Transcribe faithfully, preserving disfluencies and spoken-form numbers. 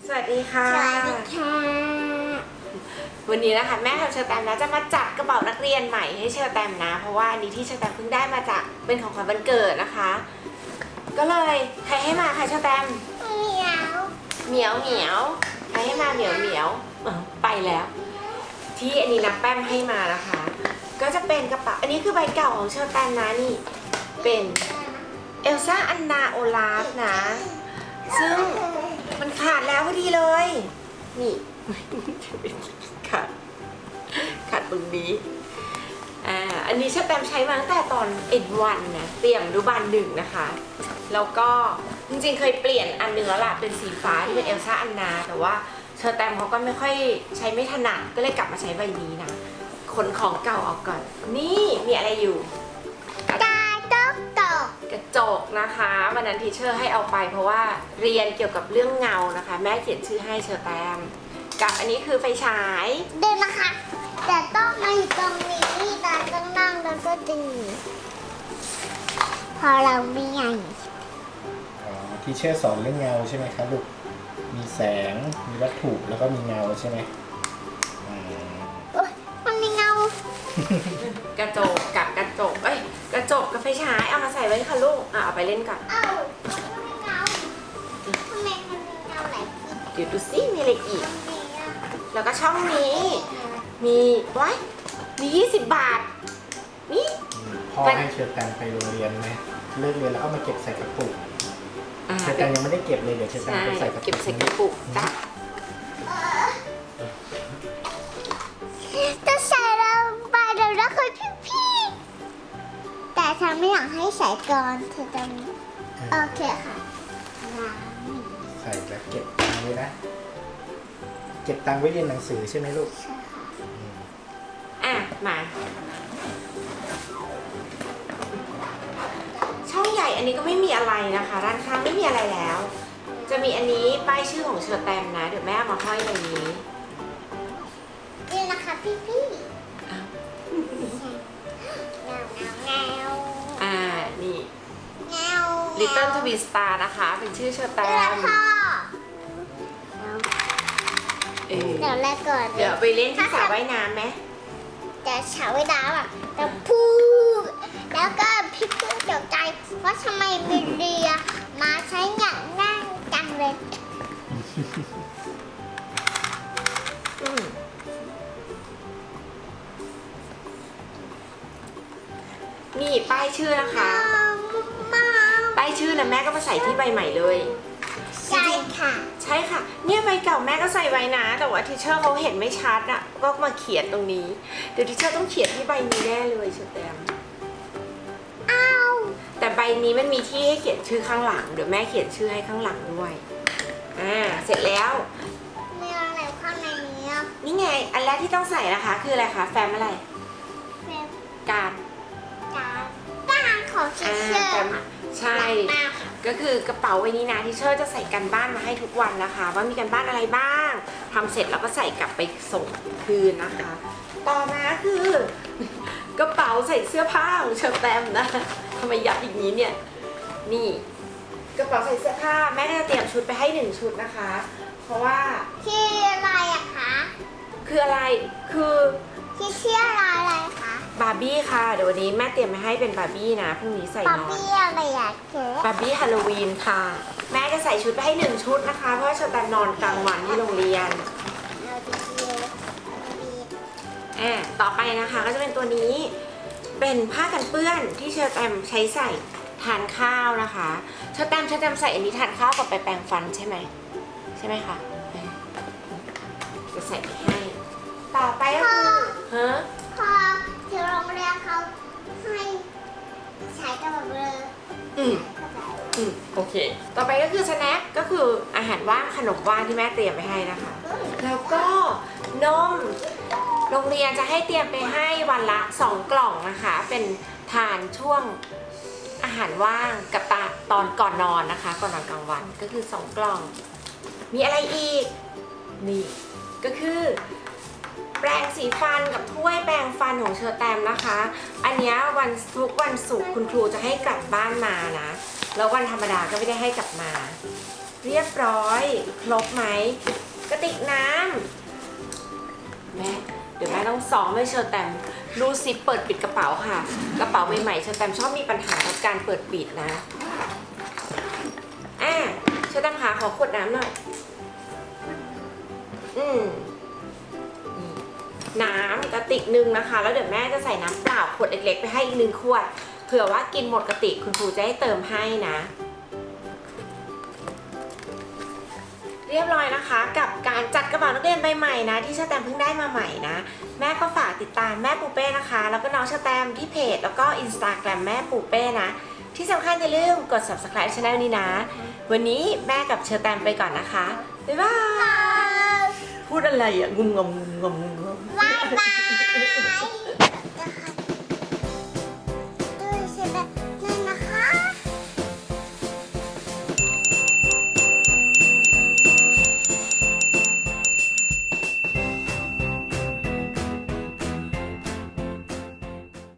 สวัสดีค่ะสวัสดีค่ะวันนี้นะคะแม่ของเชอร์แตมนะจะมาจัดกระเป๋านักเรียนใหม่ให้เชอร์แตมนะ เพราะว่าอันนี้ที่เชอร์แตมเพิ่งได้มาจากเป็นของขวัญวันเกิดนะคะ ก็เลยใครให้มาคะเชอร์แตมเหมียวเหมียวเหมียวใครให้มาเหมียวเหมียวไปแล้ว ที่อันนี้นับแป้มให้มานะคะ ก็จะเป็นกระเป๋าอันนี้คือใบเก่าของเชอร์แตมนะนี่เป็นเอลซ่าอันนาโอลาฟนะซึ่งมันขาดแล้วพอดีเลยนี่ ขาดขาดตรงนี้อ่าอันนี้เชอร์แตมใช้มาตั้งแต่ตอนเอ็ดวันนะเตรียมอนุบาลหนึ่งนะคะแล้วก็จริงๆเคยเปลี่ยนอันหนึ่งแล้วล่ะเป็นสีฟ้าที่เป็นเอลซ่าอันนาแต่ว่าเชอร์แตมเขาก็ไม่ค่อยใช้ไม่ถนัดก็เลยกลับมาใช้ใบนี้นะขนของเก่าออกก่อนนี่มีอะไรอยู่กาตกตกกระจกนะคะวันนั้นทีเชอร์ให้เอาไปเพราะว่าเรียนเกี่ยวกับเรื่องเงานะคะแม่เขียนชื่อให้เชอร์แตมกับอันนี้คือไฟฉายเดินนะคะ แต่ต้องมาอยู่ตรงนี้แต่ต้องนั่งแล้วก็ดึงพอเราไม่ใหญ่อ๋อที่เชื่อสอนเรื่องเงาใช่ไหมครับลูก มีแสง มีวัตถุ แล้วก็มีเงาใช่ไหมอ่าโอ๊ยมันมีเงากระจกกับกระจกเอ้ยกระจกกับไฟฉายเอามาใส่ไว้ค่ะลูกอ่ะเอาไปเล่นก่อนเอ้ามันมีเงาทำไมมันมีเงาหลายที่เดี๋ยวดูซิมีอะไรอีกตรงนี้อะแล้วก็ช่องนี้มีไว้มียี่สิบบาทนี่พ่อให้เชิญแตมไปโรงเรียนไหมเลิกเรียนแล้วก็มาเก็บใส่กระปุกอ่าเชิญแตมยังไม่ได้เก็บเลยเดี๋ยวเชิญแตมใช่ไปใส่กระปุกเก็บใส่กระปุกจ้ะจะใส่ลงไปเดี๋ยวนะคุณพี่พี่ๆแต่ฉันไม่อยากให้ใส่ก่อนเธอจะโอเคค่ะวางใส่แล้วเก็บตังค์ไว้นะ เก็บตังค์ไว้เรียนหนังสือใช่ไหมลูกใช่ค่ะอ่ะมาช่องใหญ่อันนี้ก็ไม่มีอะไรนะคะด้านข้างไม่มีอะไรแล้ว จะมีอันนี้ป้ายชื่อของเชอร์แตมนะเดี๋ยวแม่เอามาห้อยในนี้นี่นะคะพี่พี่อ้าวเงาเงาเงาอ่านี่เงา Little Twin Star นะคะ เป็นชื่อเชอร์แตแล้วมพ่อเออเดี๋ยวแรกก่อนเดี๋ยวไปเล่นที่สระว่ายน้ำไหมแต่เฉาไว้น้ำอ่ะแต่พูดแล้วก็พี่เพื่อนตกใจว่าทำไมเป็นเรือมาใช้อย่างนั่งจังเลยอืมนี่ป้ายชื่อนะคะมาป้ายชื่อนะแม่ก็มาใส่ที่ใบใหม่เลยใช่ค่ะใช่ค่ะ เนี่ยใบเก่าแม่ก็ใส่ไว้นะ แต่ว่าทีเชอร์เขาเห็นไม่ชัดอ่ะ ก็มาเขียนตรงนี้ เดี๋ยวทีเชอร์ต้องเขียนที่ใบนี้แน่เลยเชอร์แตมอ้าวแต่ใบนี้มันมีที่ให้เขียนชื่อข้างหลัง เดี๋ยวแม่เขียนชื่อให้ข้างหลังด้วย อ่า เสร็จแล้วมีอะไรข้างในนี้อ่ะนี่ไง อันแรกที่ต้องใส่นะคะ คืออะไรคะ แฟ้มอะไรเป็นการการการของชิอ่าเชอแฟ้มร์ใช่มากค่ะก็คือกระเป๋าใบนี้นะที่เชอร์จะใส่กันบ้านมาให้ทุกวันนะคะ ว่ามีกันบ้านอะไรบ้างทำเสร็จแล้วก็ใส่กลับไปส่งคืนนะคะ ต่อมาคือ กระเป๋าใส่เสื้อผ้าของเชอร์แตมนะทำไมยัดอย่างนี้เนี่ยนี่ กระเป๋าใส่เสื้อผ้าแม่ก็จะเตรียมชุดไปให้หนึ่งชุดนะคะ เพราะว่าที่อะไรอะคะคืออะไรคือที่เชื่ออะไรอะไรคะบาร์บี้ค่ะเดี๋ยววันนี้แม่เตรียมมาให้เป็นบาร์บี้นะพรุ่งนี้ใส่ป๊อปนอนปี้อะไรอะเจ๊บาร์บี้ฮาโลวีนค่ะ แม่จะใส่ชุดไปให้หนึ่งชุดนะคะ เพราะว่าเชอร์แตมนอนกลางวันที่โรงเรียนเอาดีเอาดีอ่าต่อไปนะคะก็จะเป็นตัวนี้เป็นผ้ากันเปื้อนที่เชอร์แตมใช้ใส่ทานข้าวนะคะเชอร์แตมเชอร์แตมใส่อันนี้ทานข้าวกับไปแปรงฟันใช่ไหมใช่ไหมคะเออจะใส่ไปให้ ต่อไปก็คือฮะพอที่โรงเรียนเขาให้ใช้กระเป๋าเบลออืม อืมโอเค ต่อไปก็คือสแน็คก็คืออาหารว่างขนมว่างที่แม่เตรียมไปให้นะคะ แล้วก็นมโรงเรียนจะให้เตรียมไปให้วันละสองกล่องนะคะ เป็นทานช่วงอาหารว่างกับตาตอนก่อนนอนนะคะ ก่อนนอนกลางวันก็คือสองกล่อง มีอะไรอีกนี่ก็คือแปรงสีฟันกับถ้วยแปรงฟันของเชอร์แตมนะคะ อันเนี้ยวันทุกวันศุกร์คุณครูจะให้กลับบ้านมานะแล้ววันธรรมดาก็ไม่ได้ให้กลับมา นเรียบร้อยครบไหมกระติกน้ำแม่เดี๋ยวแม่ต้องซ้อมให้เชอร์แตมรูซิปเปิดปิดกระเป๋าค่ะกระเป๋าใหม่ๆเชอร์แตมชอบมีปัญหากับการเปิดปิดนะอ่ะเชอร์แตมหาขอขวดน้ำหน่อยอืมนี่น้ำกระติกหนึ่งนะคะแล้วเดี๋ยวแม่จะใส่น้ำเปล่าขวดเล็กๆไปให้อีกหนึ่งขวดเผื่อว่ากินหมดกระติกคุณครูจะให้เติมให้นะเรียบร้อยนะคะกับการจัดกระเป๋านักเรียนใบใหม่นะที่เชอร์แตมเพิ่งได้มาใหม่นะแม่ก็ฝากติดตามแม่ปูเป้นะคะแล้วก็น้องเชอร์แตมที่เพจแล้วก็อินสตาแกรมแม่ปูเป้นะที่สำคัญอย่าลืมกด ซับสไครบ์ ช่องนี้นะวันนี้แม่กับเชอร์แตมไปก่อนนะคะบ๊ายบายพูดอะไรอ่ะงุมงงงงงงบ๊ายบาย